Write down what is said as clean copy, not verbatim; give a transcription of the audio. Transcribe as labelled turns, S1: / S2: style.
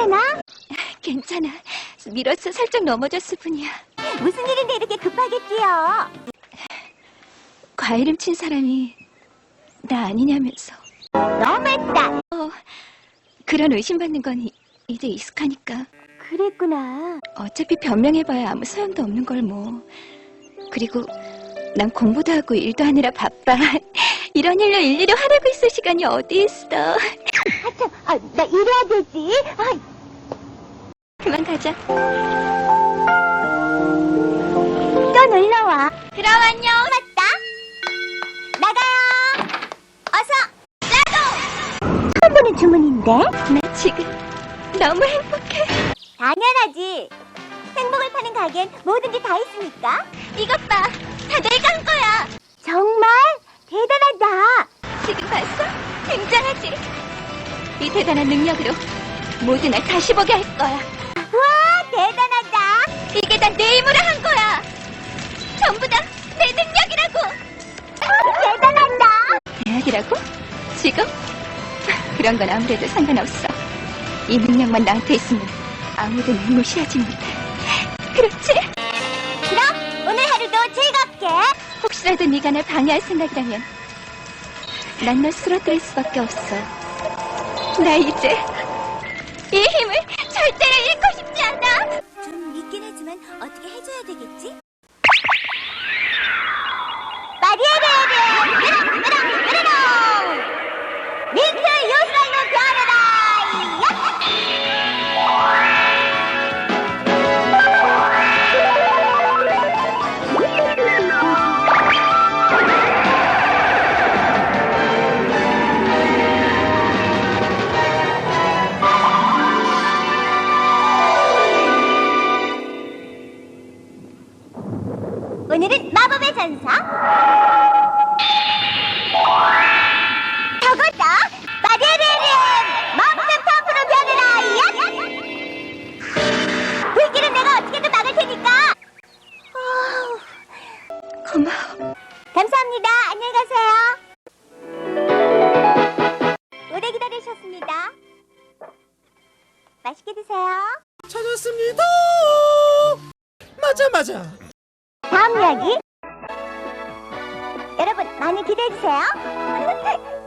S1: 괜찮아?
S2: 괜찮아. 밀어서 살짝 넘어졌을 뿐이야.
S1: 무슨 일인데 이렇게 급하게 뛰어?
S2: 과일 훔친 사람이 나 아니냐면서.
S1: 너무했다.
S2: 그런 의심받는 건 이제 익숙하니까.
S1: 그랬구나.
S2: 어차피 변명해봐야 아무 소용도 없는 걸 뭐. 그리고 난 공부도 하고 일도 하느라 바빠. 이런 일로 일일이 하라고 있을 시간이 어디 있어.
S1: 아참, 나 일해야 되지.
S2: 그만 가자.
S1: 또 놀러와.
S2: 그럼 안녕.
S1: 맞다. 나가요. 어서. 처음 보는 주문인데?
S2: 나 지금 너무 행복해.
S1: 당연하지. 행복을 파는 가게엔 뭐든지 다 있으니까.
S2: 이것 봐. 다 내가 한 거야.
S1: 정말 대단하다.
S2: 지금 봤어? 굉장하지? 이 대단한 능력으로 모든 날 다시 보게 할 거야.
S1: 와, 대단하다.
S2: 이게 다 내 힘으로 한 거야. 전부 다 내 능력이라고.
S1: 대단하다.
S2: 대학이라고? 지금? 그런 건 아무래도 상관없어. 이 능력만 나한테 있으면 아무도 날 무시하지 못해. 그렇지?
S1: 그럼 오늘 하루도 즐겁게.
S2: 혹시라도 네가 날 방해할 생각이라면 난 널 쓰러뜨릴 수밖에 없어. 나 이제 이 힘을 절대로 잃고 싶지 않아.
S1: 좀 믿긴 하지만 어떻게 해줘야 되겠지? 마리아레레 으렁 민트 요슬라이로 변해라. 오늘은 마법의 전사. 저거다. 마리아레레 마법의 펌프로 변해라. 불길은 내가 어떻게든 막을 테니까.
S2: 고마워.
S1: 감사합니다. 안녕히 가세요. 오래 기다리셨습니다. 맛있게 드세요.
S3: 찾았습니다. 맞아.
S1: 다음 이야기 여러분 많이 기대해주세요.